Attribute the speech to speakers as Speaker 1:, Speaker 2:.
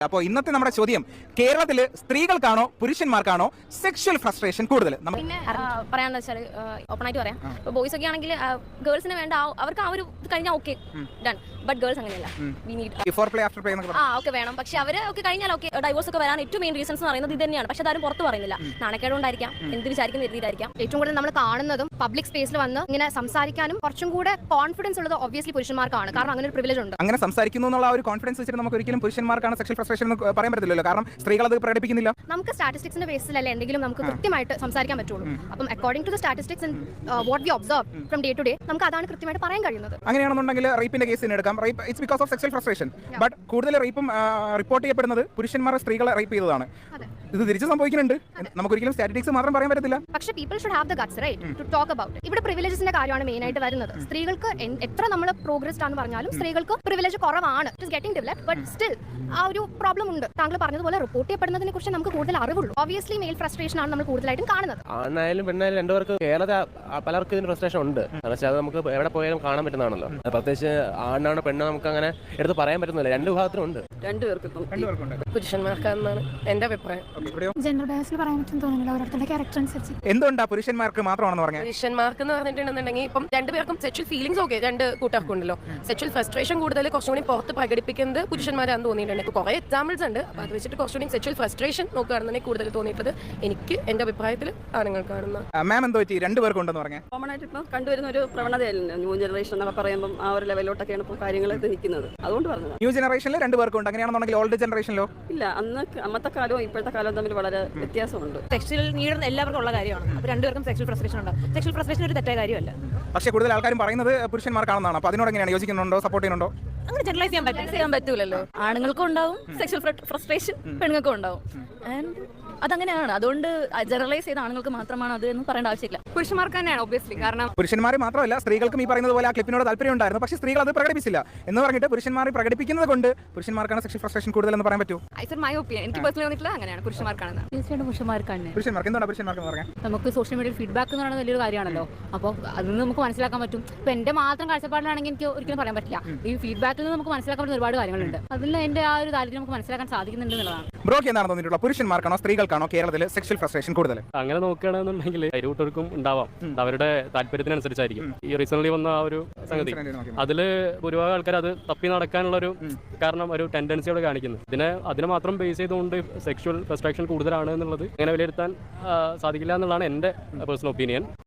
Speaker 1: അപ്പോൾ ഇന്നത്തെ നമ്മുടെ ചോദ്യം, കേരളത്തിൽ സ്ത്രീകൾക്കാണോ പുരുഷന്മാർക്കാണോ സെക്ഷൽ ഫ്രസ്ട്രേഷൻ കൂടുതൽ?
Speaker 2: പിന്നെ പറയാന്ന് വെച്ചാൽ ഓപ്പൺ ആയിട്ട് പറയാം, ഇപ്പോൾ ബോയ്സ് ഒക്കെ ആണെങ്കിൽ ഗേൾസിന് വേണ്ട അവർക്ക് ആ ഒരു ഇത് കഴിഞ്ഞാൽ ഓക്കെ ഡൺ, ബട്ട് ഗേൾസ് അങ്ങനെയല്ല. We need
Speaker 1: before play after play എന്നൊക്കെ
Speaker 2: ഓക്കെ വേണം, പക്ഷെ അവർ ഒക്കെ കഴിഞ്ഞാൽ ഓക്കെ ഡൈവോഴ്സ് ഒക്കെ വരാൻ ഏറ്റവും മെയിൻ റീസൺസ് എന്ന് പറയുന്നത് ഇത് തന്നെയാണ്. പക്ഷെ അതാരും പുറത്ത് പറയുന്നില്ല, നാണക്കേടുകൊണ്ടായിരിക്കാം, എന്ത് വിചാരിക്കുന്ന രീതിയിലായിരിക്കാം.
Speaker 3: ഏറ്റവും കൂടുതൽ നമ്മൾ കാണുന്നതും പബ്ലിക് സ്പേസിൽ വന്ന് ഇങ്ങനെ സംസാരിക്കാനും കുറച്ചും കൂടെ കോൺഫിഡൻസ് ഉള്ളത് ഒബ്വിയസ്ലി പുരുഷന്മാർക്കാണ്, കാരണം അങ്ങനെ ഒരു പ്രിവിലേജ് ഉണ്ട്.
Speaker 1: അങ്ങനെ സംസാരിക്കുന്നു എന്നുള്ള ഒരു കോൺഫിഡൻസ് വെച്ചിട്ട് നമുക്ക് ഒരിക്കലും പുരുഷന്മാർക്കാണ് സെക്ഷൽ ഫ്രസ്ട്രേഷൻ എന്ന് പറയാൻ പറ്റില്ലല്ലോ, കാരണം സ്ത്രീകൾ അത് പ്രകടിപ്പിക്കുന്നില്ല.
Speaker 3: നമുക്ക് സ്റ്റാറ്റിസ്റ്റിക്സിന്റെ ബേസിലല്ല എന്തെങ്കിലും നമുക്ക് കൃത്യമായിട്ട് സംസാരിക്കാൻ പറ്റുള്ളൂ. അപ്പം according to the statistics what we observe from day to day നമുക്ക് അതാണ് കൃത്യമായിട്ട് പറയാൻ കഴിയുന്നത്.
Speaker 1: അങ്ങനെയാണെന്നുണ്ടെങ്കിൽ റേപ്പിന്റെ കേസ് എടുക്കാം. Rape it's because of sexual frustration, but കൂടുതൽ റേപ്പും റിപ്പോർട്ട് ചെയ്യപ്പെടുന്നത് പുരുഷന്മാരെ സ്ത്രീകളെ റേപ്പ് ചെയ്തതാണ്. ഇത് തിരിച്ചു സംഭവിക്കുന്നുണ്ട്, നമുക്കൊരിക്കലും സ്റ്റാറ്റിസ്റ്റിക്സ് മാത്രം പറയാൻ പറ്റത്തില്ല.
Speaker 3: പക്ഷേ people should have the guts right to talk about it. ഇവിടെ പ്രിവിലേജസിന്റെ കാര്യമാണ് മെയിൻ ആയിട്ട് വരുന്നത്. സ്ത്രീകൾക്ക് എത്ര നമ്മൾ പ്രോഗ്രസ്ഡ് ആണെന്ന് പറഞ്ഞാലും സ്ത്രീകൾക്ക് പ്രിവിലേജ് കുറവാണ്. It is getting developed, but still ആ ഒരു പ്രോബ്ലം ഉണ്ട്. താങ്കൾ പറഞ്ഞതുപോലെ റിപ്പോർട്ട് ചെയ്യപ്പെടുന്നതിനെ കുറിച്ച് നമുക്ക് കൂടുതൽ അറിവുള്ളൂ. ഒബ്വിയസ്ലി മെയിൽ ഫ്രസ്ട്രേഷൻ ആണ് നമ്മൾ കൂടുതലായിട്ടും കാണുന്നത്.
Speaker 4: ആണായാലും പെണ്ണായാലും രണ്ടുപേർക്ക് കേരളത്തിൽ പലർക്കും ഇതിന് ഫ്രസ്ട്രേഷൻ ഉണ്ട്. പക്ഷേ അത് നമുക്ക് എവിടെ പോയാലും കാണാൻ പറ്റുന്നതാണല്ലോ. പ്രത്യേകിച്ച് ആണാണ് പെണ്ണ് നമുക്ക് അങ്ങനെ എടുത്ത് പറയാൻ പറ്റുന്നില്ല. രണ്ട് വിഭാഗത്തിനും ഉണ്ട്.
Speaker 1: രണ്ടുപേർക്കും
Speaker 2: പുരുഷന്മാർക്കാണെന്നാണ് എന്റെ അഭിപ്രായം.
Speaker 3: ജെൻഡർ ബേസിൽ പറയാൻ പറ്റും തോന്നുന്നില്ല, ഓരോരുത്തരുടെ ക്യാരക്ടർ അനുസരിച്ച്.
Speaker 1: എന്തുകൊണ്ടാ പുരുഷന്മാർക്ക് മാത്രമാണെന്ന് പറഞ്ഞാൽ?
Speaker 2: പുരുഷന്മാർക്ക് എന്ന് പറഞ്ഞിട്ടുണ്ടെന്നുണ്ടെങ്കിൽ ഇപ്പം രണ്ടുപേർക്കും സെക്ഷൽ ഫീലിംഗ്സ് ഓക്കെ രണ്ട് കൂട്ടർക്കും ഉണ്ടല്ലോ. സെക്ഷൽ ഫ്രസ്ട്രേഷൻ കൂടുതൽ കുറച്ചും കൂടി പുറത്ത് പ്രകടിപ്പിക്കുന്നത് പുരുഷന്മാരാണെന്ന് തോന്നിയിട്ടുണ്ട്. ഇപ്പോൾ കുറേ എക്സാമ്പിൾസ് ഉണ്ട്, അപ്പോൾ അത് വെച്ചിട്ട് കുറച്ചുകൂടി സെക്ഷൽ ഫ്രസ്ട്രേഷൻ നോക്കുകയാണെന്നുണ്ടെങ്കിൽ കൂടുതൽ തോന്നിയിട്ടുള്ളത് എനിക്ക് എന്റെ അഭിപ്രായത്തിൽ ആണുങ്ങൾക്കാണെന്ന്.
Speaker 1: മാം എന്തോ പറ്റി രണ്ടുപേർക്കുണ്ടെന്ന് പറഞ്ഞാൽ?
Speaker 5: കോമൺ ആയിട്ട് ഇപ്പോൾ കണ്ടുവരുന്ന ഒരു പ്രവണതയല്ല ന്യൂ ജനറേഷൻ എന്നൊക്കെ പറയുമ്പോൾ ആ ഒരു ലെവലിലോട്ടൊക്കെയാണ് ഇപ്പോൾ കാര്യങ്ങൾ നിൽക്കുന്നത്. അതുകൊണ്ട് പറഞ്ഞത്
Speaker 1: ന്യൂ ജനറേഷനിൽ രണ്ടുപേർക്കുണ്ട്. അങ്ങനെയാണെന്നുണ്ടെങ്കിൽ ഓൾഡ് ജനറേഷനിലോ?
Speaker 5: ഇല്ല, അന്നത്തെ കാലവും ഇപ്പോഴത്തെ കാലവും തമ്മിൽ വളരെ വ്യത്യാസമുണ്ട്.
Speaker 2: സെക്ഷൽ നീഡ് എല്ലാവർക്കും ഉള്ള കാര്യമാണ്. അപ്പോൾ രണ്ടുപേർക്കും സെക്ഷൽ ഫ്രസ്ട്രേഷൻ ഉണ്ട്. സെക്ഷൽ ഫ്രസ്ട്രേഷൻ ഒരു തെറ്റായ കാര്യമല്ല.
Speaker 1: പക്ഷേ കൂടുതൽ ആൾക്കാരും പറയുന്നത് പുരുഷന്മാർക്കാണെന്നാണ്. അപ്പോൾ അതിനോട് എങ്ങനെയാണ്, യോജിക്കുന്നുണ്ടോ, സപ്പോർട്ട് ചെയ്യുന്നുണ്ടോ?
Speaker 2: അങ്ങനെ ജനറലൈസ് ചെയ്യാൻ പറ്റൂലല്ലോ. ആണുങ്ങൾക്കും ഉണ്ടാവും സെക്ഷൽ ഫ്രസ്ട്രേഷൻ, പെണ്ണുങ്ങൾക്കും ഉണ്ടാവും. ആൻഡ് അതങ്ങനെയാണ്. അതുകൊണ്ട് ജനറലൈസ് ചെയ്ത ആണുങ്ങൾക്ക് മാത്രമാണ് അത് എന്ന് പറയേണ്ട ആവശ്യമില്ല. പുരുഷന്മാർക്ക് തന്നെയാണ് ഒബ്വിയസ്ലി. കാരണം
Speaker 1: പുരുഷന്മാരെ മാത്രമല്ല, സ്ത്രീകൾക്കും ഈ പറയുന്നത് പോലെ ആ ക്ലിപ്പിനോട് താല്പര്യം ഉണ്ടായിരുന്നു. പക്ഷേ സ്ത്രീകൾ അത് പ്രകടിപ്പിച്ചില്ല എന്ന് പറഞ്ഞിട്ട് പുരുഷന്മാരെ പ്രകടിപ്പിക്കുന്നത് കൊണ്ട് പുരുഷന്മാർക്കാണ് സെക്ഷൽ ഫ്രസ്ട്രേഷൻ കൂടുതൽ എന്ന് പറയാൻ പറ്റുമോ?
Speaker 2: മൈ ഒപ്പീനിയൻ, എനിക്ക് പേഴ്സണലി തോന്നിയിട്ടുള്ളത് അങ്ങനെയാണ്, പുരുഷന്മാർക്കാണ്.
Speaker 6: തീർച്ചയായിട്ടും പുരുഷന്മാർക്കാണ്.
Speaker 1: പുരുഷന്മാർക്ക് എന്താണ് പുരുഷന്മാർക്ക് പറയാം?
Speaker 6: നമുക്ക് സോഷ്യൽ മീഡിയയിൽ ഫീഡ്ബാക്ക് എന്ന് പറയുന്നത് വലിയൊരു കാര്യമാണല്ലോ. അപ്പോൾ അതിൽ നിന്ന് നമുക്ക് മനസ്സിലാക്കാൻ പറ്റും. ഇപ്പം എൻ്റെ മാത്രം കാഴ്ചപ്പാടിലാണെങ്കിൽ എനിക്ക് ഒരിക്കലും പറയാൻ പറ്റില്ല. ഈ ഫീഡ്ബാക്കിൽ നിന്ന് നമുക്ക് മനസ്സിലാക്കാൻ പറ്റുന്ന ഒരുപാട് കാര്യങ്ങളുണ്ട്. അതിൽ എൻ്റെ ആ ഒരു താല്പര്യം നമുക്ക് മനസ്സിലാക്കാൻ സാധിക്കുന്നുണ്ട് എന്നുള്ളതാണ്.
Speaker 1: ബ്രോക്ക് എന്താണ് തോന്നിയിട്ടുള്ളത്, പുരുഷന്മാർക്കാണോ സ്ത്രീകൾക്കാണോ കേരളത്തിൽ സെക്ഷൽ ഫ്രസ്ട്രേഷൻ കൂടുതൽ?
Speaker 7: അങ്ങനെ നോക്കുകയാണെന്നുണ്ടെങ്കിൽ ഇരുകൂട്ടർക്കും ഉണ്ടാവാം, അവരുടെ താല്പര്യത്തിനനുസരിച്ചായിരിക്കും. ഈ റീസെന്റ് വന്ന ആ ഒരു സംഗതി, അതില് ഭൂരിഭാഗം ആൾക്കാർ അത് തപ്പി നടക്കാനുള്ള ഒരു കാരണം ഒരു ടെൻഡൻസിയോട് കാണിക്കുന്നത്. അതിനെ മാത്രം ബേസ് ചെയ്തുകൊണ്ട് സെക്ഷൽ ഫ്രസ്ട്രേഷൻ കൂടുതലാണ് എന്നുള്ളത് അങ്ങനെ വിലയിരുത്താൻ സാധിക്കില്ല എന്നുള്ളതാണ് എൻ്റെ പേഴ്സണൽ ഒപ്പീനിയൻ.